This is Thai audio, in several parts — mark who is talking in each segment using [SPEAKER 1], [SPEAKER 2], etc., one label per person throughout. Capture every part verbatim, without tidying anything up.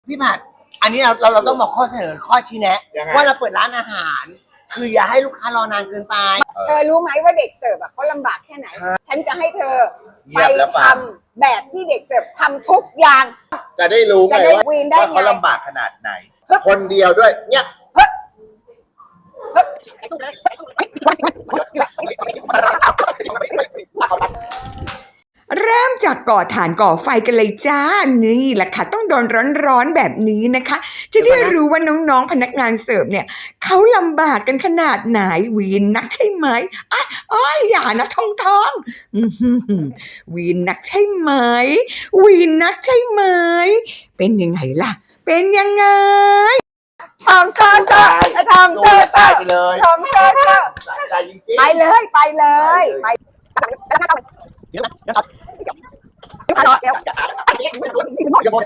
[SPEAKER 1] พี่ผัดอันนี้เราเราเราต้องบอกข้อเสนอข้อชี้แนะว่าเราเปิดร้านอาหารคืออย่าให้ลูกค้ารอนานเกินไป
[SPEAKER 2] เธอรู้ไหมว่าเด็กเสิร์ฟเขาลำบากแค่ไหนฉันจะให้เธอไปทำแบบที่เด็กเสิร์ฟทำทุกอย่าง
[SPEAKER 3] จะได้รู้ไงว่าว่าเขาลำบากขนาดไหนคนเดียวด้วยเนี่ย
[SPEAKER 4] เริ่มจากก่อถ่านก่อไฟกันเลยจ้านี่แหละค่ะต้องโดนร้อนๆแบบนี้นะคะจะได้รู้ว่าน้องๆพนักงานเสิร์ฟเนี่ยเขาลำบากกันขนาดไหนวีนนักใช่ไหมอ้ายอ้ายอย่านะทองทองวีนนักใช่ไหมวีนนักใช่ไหมเป็นยังไงล่ะเป็นยังไง
[SPEAKER 2] ทองเซอร์เซอร์ทองเซอร์เซอร์ไปเลยทองเซอร์เซอร์ไปเลยไปเลยไปเดี๋ยวเดี๋ยวเดี๋ยวเดี๋ยวเดี๋ยวเดี๋ยว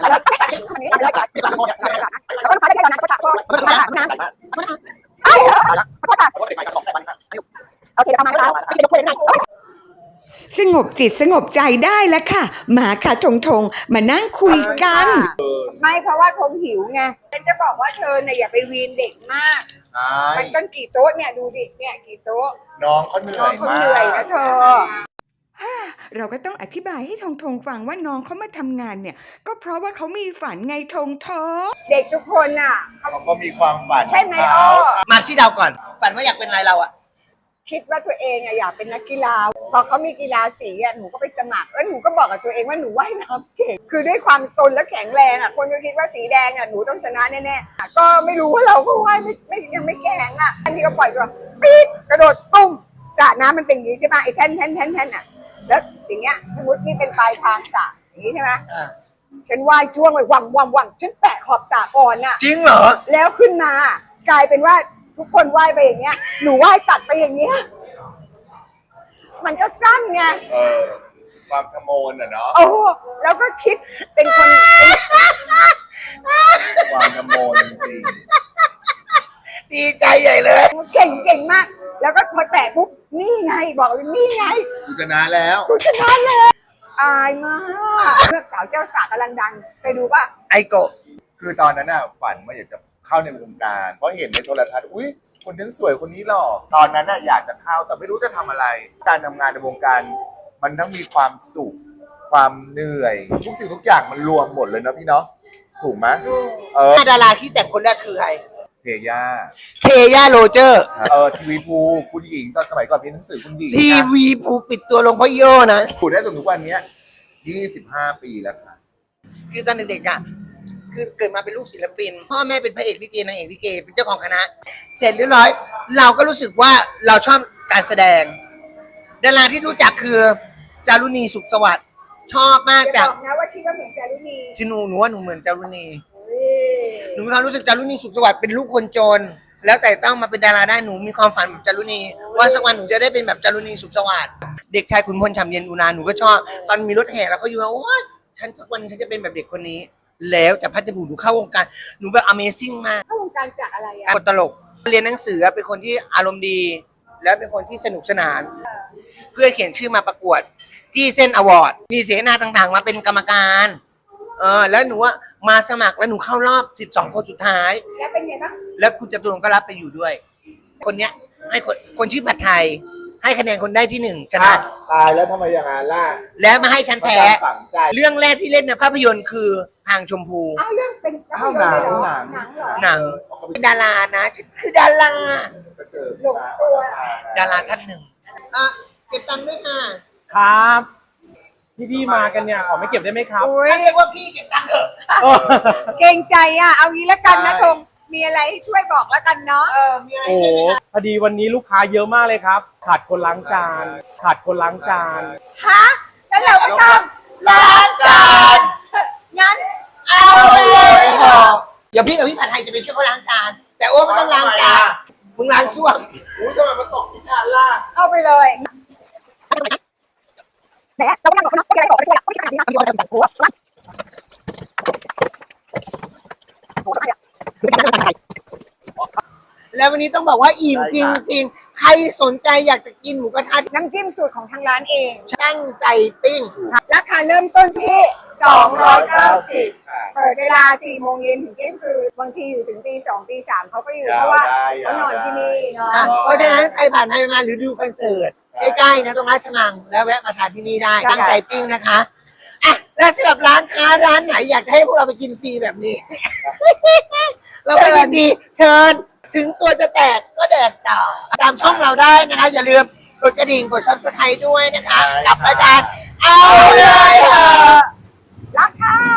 [SPEAKER 4] สงบจิตสงบใจได้แล้วค่ะมาค่ะทงทงมานั่งคุยกัน
[SPEAKER 2] ไม่เพราะว่าทงหิวไงฉันจะบอกว่าเธอเนี่ยอย่าไปวีนเด็กมากมันก็กี่โต๊ะเนี่ยดูดิเนี่ยกี่โต๊ะ
[SPEAKER 3] น้องเขาเหนื่อยมาก
[SPEAKER 2] เหนื่อยนะเธอ
[SPEAKER 4] เราก็ต้องอธิบายให้ทงทงฟังว่าน้องเขามาทำงานเนี่ยก็เพราะว่าเขามีฝันไงทงทง
[SPEAKER 2] เด็กทุกคนอ่ะ
[SPEAKER 3] เขาก็มีความฝัน
[SPEAKER 2] ใช่ไหมอ้อ
[SPEAKER 1] มาที่เดาก่อนฝันว่าอยากเป็นอะไรเราอ่ะ
[SPEAKER 2] คิดว่าตัวเองอะอยากเป็นนักกีฬาพอเขามีกีฬาสีอะหนูก็ไปสมัครแล้วหนูก็บอกกับตัวเองว่าหนูว่ายน้ำเก่งคือด้วยความซนและแข็งแรงอะคนก็คิดว่าสีแดงอะหนูต้องชนะแน่ๆก็ไม่รู้ว่าเราก็ว่ายไม่ไม่ยังไม่แข็งอะอันนี้ก็ปล่อยตัวปี๊ดกระโดดตุ้มสระน้ำมันเป็นอย่างนี้ใช่ไหมไอ้แท่นแท่นแท่นแท่นอะแล้วอย่างเงี้ยสมมตินี่เป็นปลายทางสระอย่างนี้ใช่ไหมฉันว่ายจ้วงไปวังวังวังฉันแตะขอบสระก่อนอะ
[SPEAKER 1] จริงเหรอ
[SPEAKER 2] แล้วขึ้นมากลายเป็นว่าทุกคนว่ายไปอย่างเงี้ยหนูว่ายตัดไปอย่างเงี้ยมันก็สั้นไง
[SPEAKER 3] เออความขโมยอ่ะเนาะ
[SPEAKER 2] โอ้แล้วก็คิดเป็นคน
[SPEAKER 3] ความขโมยจริง
[SPEAKER 1] ดีใจใหญ่เลย
[SPEAKER 2] เก่งเก่งมากแล้วก็มาแตะปุ๊บนี่ไงบอกนี่ไง
[SPEAKER 3] กูชนะแล้ว
[SPEAKER 2] กูชนะเลยอายมากเลือกสาวเจ้าสาวกำลังดังไปดูป่ะ
[SPEAKER 1] ไอโกะ
[SPEAKER 3] คือตอนนั้นน่ะฝันว่าอยากจะเข้าในวงการเพราะเห็นในโทรทัศน์อุ้ยคนนั้นสวยคนนี้หล่อตอนนั้นน่ะอยากจะเข้าแต่ไม่รู้จะทำอะไรการทำงานในวงการมันต้องมีความสุขความเหนื่อยทุกสิ่งทุกอย่างมันรวมหมดเลยนะพี่เนาะถูกไหม
[SPEAKER 1] เออดาราที่แต่งคนแรกคือใคร
[SPEAKER 3] เทย่า
[SPEAKER 1] เทย่าโรเจอร์
[SPEAKER 3] เออทีวีภูคุณหญิงตอนสมัยก่อนมีหนังสือคุณหญิง
[SPEAKER 1] ทีวีภูปิดตัวลงเพราะโยนะ
[SPEAKER 3] ถูกได้จนทุกวันนี้ยี่สิบห้าปีแล้วค่ะ
[SPEAKER 1] คือตอนเด็กๆอ่ะคือเกิดมาเป็นลูกศิลปินพ่อแม่เป็นพระเอกลิเกนางเอกลิเกเป็นเจ้าของคณะเสร็จเรียบร้อยเราก็รู้สึกว่าเราชอบการแสดงดาราที่รู้จักคือจารุณีสุขสวัสดิ์ชอบมากจาก
[SPEAKER 2] นะว่าคิดว่าเหมือนจารุณี
[SPEAKER 1] ที่หนูหนูว่าหนูเหมือนจารุณีหนูมีความรู้สึกจารุณีสุขสวัสดิ์เป็นลูกคนจนแล้วแต่ต้องมาเป็นดาราได้หนูมีความฝันแบบจารุณีว่าสักวันหนูจะได้เป็นแบบจารุณีสุขสวัสดิ์เด็กชายขุนพลฉ่ำเย็นอุนาหนูก็ชอบตอนมีรถแห่แล้วก็อยู่ว่าฉันสักวันฉันจะเป็นแบบเด็กคนนี้แล้วแต่พัฒน์ผูหนูเข้าวงการหนูแบบ Amazing มาก
[SPEAKER 2] เข้าวงการจากอะไรอ่ะ
[SPEAKER 1] คนตลกเรียนหนังสือเป็นคนที่อารมณ์ดีแล้วเป็นคนที่สนุกสนานเพื่อเขียนชื่อมาประกวดจี้เส้นอวอร์ดมีเสนาต่างๆมาเป็นกรรมการเออแล้วหนูว่ามาสมัครแล้วหนูเข้ารอบสิบสองคนสุดท้าย
[SPEAKER 2] แล้วเป็นไงบ้าง
[SPEAKER 1] แล้วคุณจตุรงค์ก็รับไปอยู่ด้วยคนเนี้ยให้คนคนชื่อผัดไทยให้คะแนนคนได้ที่หนึ่งชนะ
[SPEAKER 3] ตายแล้วทำไมอย่างนั้นล่ะ
[SPEAKER 1] แล้วมาให้ฉันแพ้เรื่องแรกที่เล่นในภาพยนตร์คือพางชมพู
[SPEAKER 2] อ้าวเรื่องเป็น
[SPEAKER 3] หนังหนัง
[SPEAKER 1] หนังเป็นดารานะฉันคือดารา
[SPEAKER 2] หลงตัว
[SPEAKER 1] ดาราท่านหนึ่งอ่ะเก็บตังค์ด้วยค่ะ
[SPEAKER 5] ครับพี่พี่มากันเนี่ยขอไม่เก็บได้ไหมครับ
[SPEAKER 1] เรียกว่าพี่เก็บตังค์เถอะ
[SPEAKER 2] เกรงใจอ่ะเอางี้แล้วกันนะทงมีอะไรให้ช่วยบอกแล้วกันเนาะ
[SPEAKER 1] เออมีอะไร
[SPEAKER 5] โอ้พอดีวันนี้ลูกค้าเยอะมากเลยครับขาดคนล้างจานขาดคนล้างจาน
[SPEAKER 2] ฮะแล้วเราก็ต้องล้างจานงั้นเอา
[SPEAKER 1] เลยเดี๋ยวพี่กับพี่ผัดไทยจะไปช่วยเขาล้างจานแต่โอ้ไม่ต้องล้างจานมึงล้างส้วม
[SPEAKER 3] อุ้ยทำไมมันตกที่ชานล่ะ
[SPEAKER 2] เอาไปเลยแหมเราก็นั่งบอกเขาเนาะไม่อะไรบอกไม่ช่วยหรอกไม่ทำอะไรหัว
[SPEAKER 1] แล้ววันนี้ต้องบอกว่าอิ่มจริงๆใครสนใจอยากจะกินหมูกระทะ
[SPEAKER 2] น้ำจิ้มสูตรของทางร้านเอง
[SPEAKER 1] ตั้งใจปิ้ง
[SPEAKER 2] ราคาเริ่มต้นที่สองร้อยเก้าสิบเปิดเวลาสี่โมงเย็นถึงเที่ยงคืนบางทีอยู่ถึงตีสองตีสามเขาก็อยู่
[SPEAKER 3] ยาว
[SPEAKER 2] เพราะว่า
[SPEAKER 3] ได้
[SPEAKER 2] เขานอน
[SPEAKER 3] ยาวได้
[SPEAKER 2] ที่นี่เนาะ
[SPEAKER 1] เพราะฉะนั้นใครผ่านไปมาหรือดูคอนเสิร์ตใกล้ๆนะตรงราชมังแล้วแวะมาทานที่นี่ได้
[SPEAKER 2] ใช่
[SPEAKER 1] ตั้งใจปิ้งนะคะอ่ะแล้วสำหรับร้านค้าร้านไหนอยากจะให้พวกเราไปกินฟรีแบบนี้ เราก็ยินดีเชิญถึงตัวจะแตกก็แดกต่อตามช่องเราได้นะคะอย่าลืมกดกระดิ่งกดซับสไครต์ด้วยนะคะกับรายการเอาเลยเถอะ
[SPEAKER 2] รักค่ะ